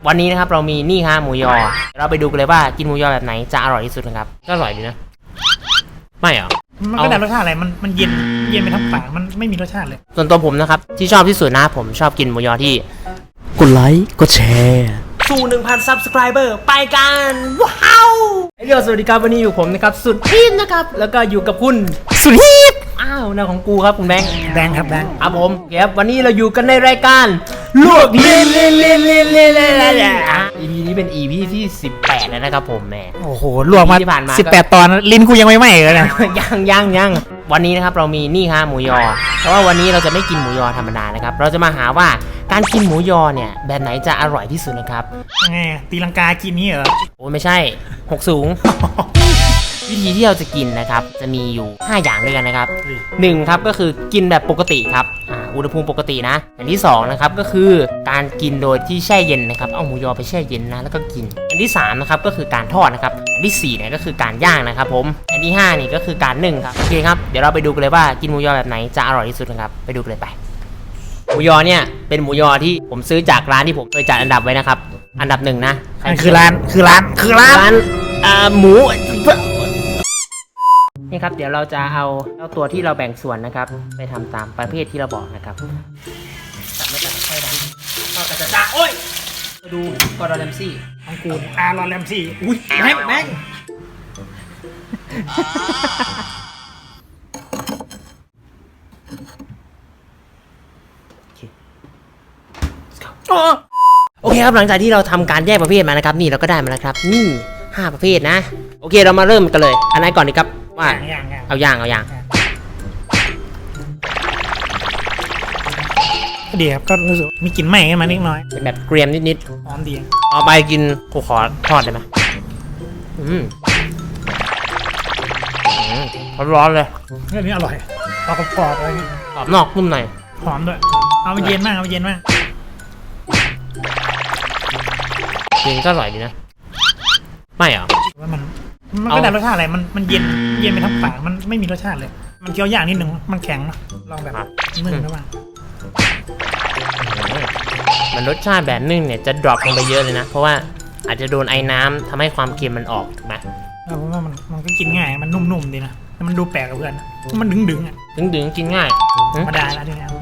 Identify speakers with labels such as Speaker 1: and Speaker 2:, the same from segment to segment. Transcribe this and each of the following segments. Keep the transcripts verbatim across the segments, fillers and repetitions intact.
Speaker 1: วันนี้นะครับเรามีนี่ฮะหมูยอเราไปดูกันเลยว่ากินหมูยอแบบไหนจะอร่อยที่สุดนะครับก็อร่อยดีนะไม่เหรอ
Speaker 2: มันก็ได้รสชาติอะไรมันมันเย็นเย็นไปทั้งปากมันไม่มีรสชาติเลย
Speaker 1: ส่วนตัวผมนะครับที่ชอบที่สุดนะผมชอบกินหมูยอที่กดไลค์กดแชร์สู่ หนึ่งพัน ซับสไครเบอร์ไปกันว้าวไอเดียวสวัสดีครับวันนี้อยู่ผมนะครับสุดฮิตนะครับแล้วก็อยู่กับคุณสุดฮิตอ้าวหน้าของกูครับคุณแบงค์
Speaker 2: แบงค์ครับแบงค์
Speaker 1: ครับผมครับวันนี้เราอยู่กันในรายการลวกเล่นเล่นเล่นเล่นเล่นเล่นเล่น อี พี นี้เป็น อี พี ที่สิบแปดแล้วนะครับผมแม่
Speaker 2: โอ้โหลวกมาสิบแปดตอนลิ้นกูยังไม่ไหม้เลยนะ
Speaker 1: ยังยังยังวันนี้นะครับเรามีนี่ฮะหมูยอเพราะว่าวันนี้เราจะไม่กินหมูยอธรรมดานะครับเราจะมาหาว่าการกินหมูยอเนี่ยแบบไหนจะอร่อยที่สุดนะครับ
Speaker 2: ยังไงตีลังกากินนี่เหรอ
Speaker 1: โอ้ไม่ใช่หกสูง วิธีที่เราจะกินนะครับจะมีอยู่ห้าอย่างด้วยกันนะครับหนึ่งครับก็คือกินแบบปกติครับอ่าอุณหภูมิปกตินะอย่างที่สองนะครับก็คือการกินโดยที่แช่เย็นนะครับเอาหมูยอไปแช่เย็นนะแล้วก็กินอันที่สามนะครับก็คือการทอดนะครับอันที่สี่เนี่ยก็คือการย่างนะครับผมอันที่ห้านี่ก็คือการนึ่งครับโอเคครับเดี๋ยวเราไปดูกันเลยว่ากินหมูยอแบบไหนจะอร่อยที่สุดนะครับไปดูกันเลยไปหมูยอเนี่ยเป็นหมูยอที่ผมซื้อจากร้านที่ผมเคยจัดอันดับไว้นะครับอันดับหนึ่งนะ
Speaker 2: คือร้านคือร้านคือร้าน
Speaker 1: ร้านอ่าหมูนี่ครับเดี๋ยวเราจะเอาเจ้าตัวที่เราแบ่งส่วนนะครับไปทำตามประเภทที่เราบอกนะครับตัดไม่ตัดค่อยดันก็กระจะจ้าโอ้ยมาดูกอร์ดอนแรมซี่
Speaker 2: ของกูอารอนแรมซี่อุ้ยแม่งแม่ง
Speaker 1: โอเคครับหลังจากที่เราทำการแยกประเภทมานะครับนี่เราก็ได้มาแล้วครับนี่ห้าประเภทนะโอเคเรามาเริ่มกันเลยอันไหนก่อนดีครับว่าเอาย่างเอาย่าง
Speaker 2: ดีครับก็รู้สึกมีกลิ่นไหม้ขึ้นมานิดน้อย
Speaker 1: เป็นแบบเกรียมนิด
Speaker 2: ๆหอมดี
Speaker 1: เอาไปกินกูขอทอดได้ไหมอืมร้อนเลย
Speaker 2: เรื่องนี้อร่อยกรอบกรอบอะไรนี่
Speaker 1: กรอบนอกนุ่มใน
Speaker 2: หอมด้วยเอาไปเย็นมากเอาไปเย็นมาก
Speaker 1: กินก็อร่อยดีนะไม่เหรอ
Speaker 2: ว่ามันมันก็ได้รสชาติอะไรมันมันเย็นเย็นไปทั้งปากมันไม่มีรสชาติเลยมันเคี้ยวยากนิดนึงมันแข็งนะลองแบบนึ่งได้บ้าง
Speaker 1: มันรสชาติแบบนึ่งเนี่ยจะดรอปลงไปเยอะเลยนะเพราะว่าอาจจะโดนไอ้น้ำทำให้ความเค็มมันออกถูกไหม
Speaker 2: เพราะว่ามันมันก็กินง่ายมันนุ่มๆดีนะมันดูแปลกกับเพื่อนมันดึงๆอ่ะ
Speaker 1: ดึงๆกินง่าย
Speaker 2: ธรรมดาแล้วทีนี้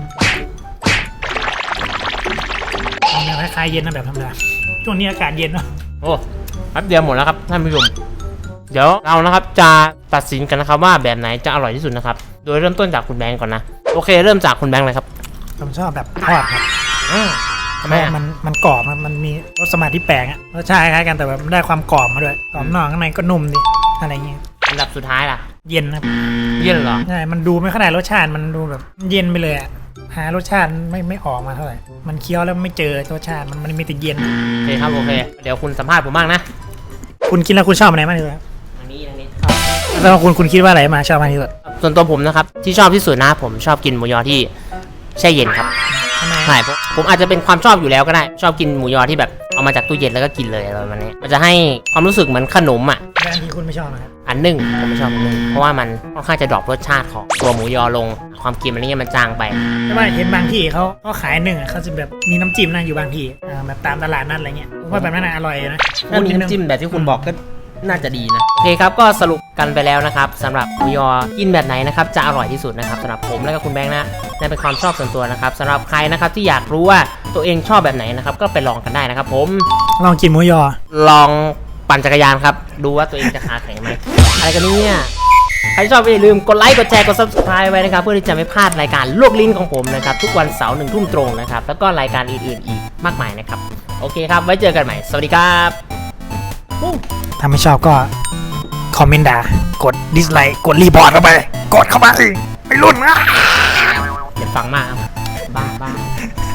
Speaker 2: เอาเนี่ยคล้ายๆเย็นนะแบบธรรมดาช่วงนี้อากาศเย็นเนาะ
Speaker 1: โอ้แป๊บเดียวหมดแล้วครับท่านผู้ชมเดี๋ยวเรานะครับจะตัดสินกันนะครับว่าแบบไหนจะอร่อยที่สุดนะครับโดยเริ่มต้นจากคุณแบงก์ก่อนนะโอเคเริ่มจากคุณแบงก์เลยครับ
Speaker 2: ผมชอบแบบทอดครับ
Speaker 1: ทำไม
Speaker 2: มันมันกรอบมันมีรสสมาธิแปลกอะรสชาติคล้ายกันแต่แบบได้ความกรอบมาด้วยกรอบนอกข้างในก็นุ่มดีอะไรเงี้ย
Speaker 1: อันดับสุดท้ายล่ะ
Speaker 2: เย็นครับ
Speaker 1: เย็นเหรอ
Speaker 2: ใช่มันดูไม่ขนาดรสชาติมันดูแบบเย็นไปเลยอะหารสชาติไม่ไม่ออกมาเท่าไหร่มันเคี้ยวแล้วไม่เจอรสชาติมันมันมีแต่เย็น
Speaker 1: โอเคครับโอเคเดี๋ยวคุณสัมภาษณ์ผมบ้างนะ
Speaker 2: คุณกินแล้วคุณชอบอะไรมากที่สุด
Speaker 1: อันนี้อันนี้
Speaker 2: แล้วคุณคุณคิดว่าอะไรมาชอบมากที่สุด
Speaker 1: ส่วนตัวผมนะครับที่ชอบที่สุดนะผมชอบกินหมูยอที่แช่เย็นครับใช่ผมอาจจะเป็นความชอบอยู่แล้วก็ได้ชอบกินหมูยอที่แบบเอามาจากตู้เย็นแล้วก็กินเลยอะไรแบบนี้มันจะให้ความรู้สึกเหมือนขนมอ่ะ
Speaker 2: แต่อันที่คุณไม่ชอบนะครับ
Speaker 1: อันนึ่งผมไม่ชอบอันนึ่งเพราะว่ามันค่อนข้างจะดรอปรสชาติของตัวหมูยอลงความเค็มอะไรเงี้ยมันจางไป
Speaker 2: แต่ว่าเห็นบางที่เขาเขาขายนึ่งอ่ะเขาจะแบบมีน้ำจิ้มนะอยู่บางที่แบบตามตลาดนัดอะไรเงี้ยผมว่าแบบนั้นอร่อยนะ
Speaker 1: ถ้ามีน้ำจิ้มแบบที่คุณบอกก็น่าจะดีนะโอเคครับก็สรุปกันไปแล้วนะครับสำหรับหมูยอกินแบบไหนนะครับจะอร่อยที่สุดนะครับสำหรับผมและก็คุณแบงค์นะนั่นเป็นความชอบส่วนตัวนะครับสำหรับใครนะครับที่อยากรู้ว่าตัวเองชอบแบบไหนนะครับก็ไปลองกันได้นะครับผม
Speaker 2: ลองกินหมูยอ
Speaker 1: ลองปั่นจักรยานครับดูว่าตัวเองจะขาแข็งไหมอะไรกันเนี่ยใครชอบอย่าลืมกดไลค์กดแชร์กด ซับสไครบ์ ไว้นะครับเพื่อที่จะไม่พลาดรายการลวกลิ้นของผมนะครับทุกวันเสาร์หนึ่งทุ่มตรงนะครับแล้วก็รายการอื่นๆอีกมากมายนะครับโอเคครับไว้เจอกันใหม่สวัสดีครับ
Speaker 2: ถ้าไม่ชอบก็คอมเมนต์ด่ากดดิสไลค์กดรีพอร์ตเข้าไปกดเข้าไปไปรุ่นนะ
Speaker 1: อย่าฟังมากบ้าบ้า